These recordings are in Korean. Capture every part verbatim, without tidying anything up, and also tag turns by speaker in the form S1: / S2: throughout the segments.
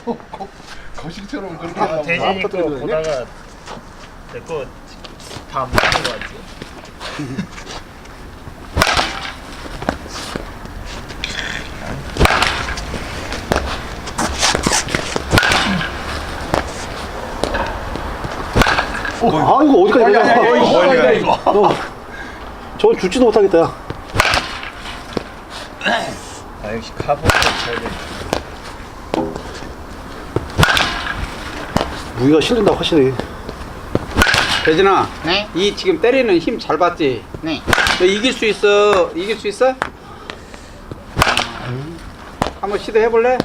S1: 거식처럼 그렇게
S2: 아,
S1: 하고
S2: 대진이 거
S1: 아파트를
S2: 보다가 내 거 다 안 맞는 거 같지?
S3: 어, 아 이거 어디까지
S1: 아니,
S3: 가냐?
S1: 아니, 아니, 이거 멀리가 이거.
S3: 어, 저건 죽지도 못하겠다. 야.
S2: 아 역시 카본 쳐야 돼.
S3: 무기가 실린다 확실히.
S4: 대진아,
S5: 네?
S4: 이 지금 때리는 힘 잘 봤지?
S5: 네.
S4: 너 이길 수 있어? 이길 수 있어? 한번 시도해볼래?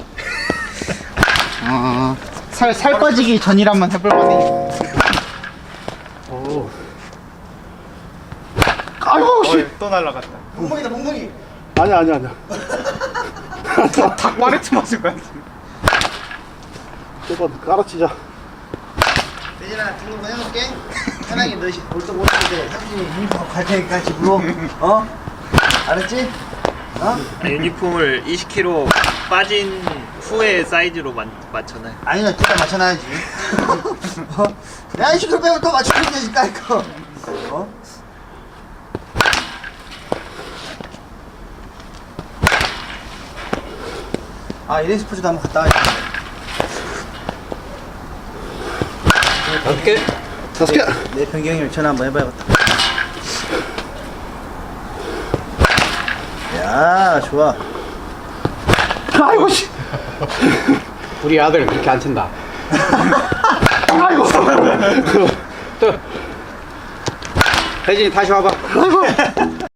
S5: 어, 살, 살 빠지기 전이라 한번 해볼만해.
S3: 오. 아이고 씨.
S2: 또 날라갔다.
S5: 몽몽이다, 몽몽이.
S3: 아니야 아니야 아니야.
S5: 닭 마레트 맞을 거야.
S3: 저건 깔아치자.
S5: 대진아, 등록 해놓을게. 편하게 너희 볼도 못 하게 삼촌이 유니폼 갈 테니까 집으로. 어? 알았지? 어?
S2: 유니폼을 이십 킬로그램 빠진 후에 사이즈로 만, 맞춰놔.
S5: 아니야, 둘다 맞춰놔야지. 어? 내가 이십 킬로그램 빼면 또 맞추면 되지, 깔 거. 어? 아, 이레 스포츠도 한번 갔다 와야지.
S4: 다섯 개?
S3: 다섯 개.
S5: 내 변경이면 전화 한번 해봐야겠다. 야, 좋아.
S3: 아이고 씨.
S4: 우리 아들 그렇게 안 친다.
S3: 아이고.
S4: 또. 대진이 다시 와봐.
S3: 아이고.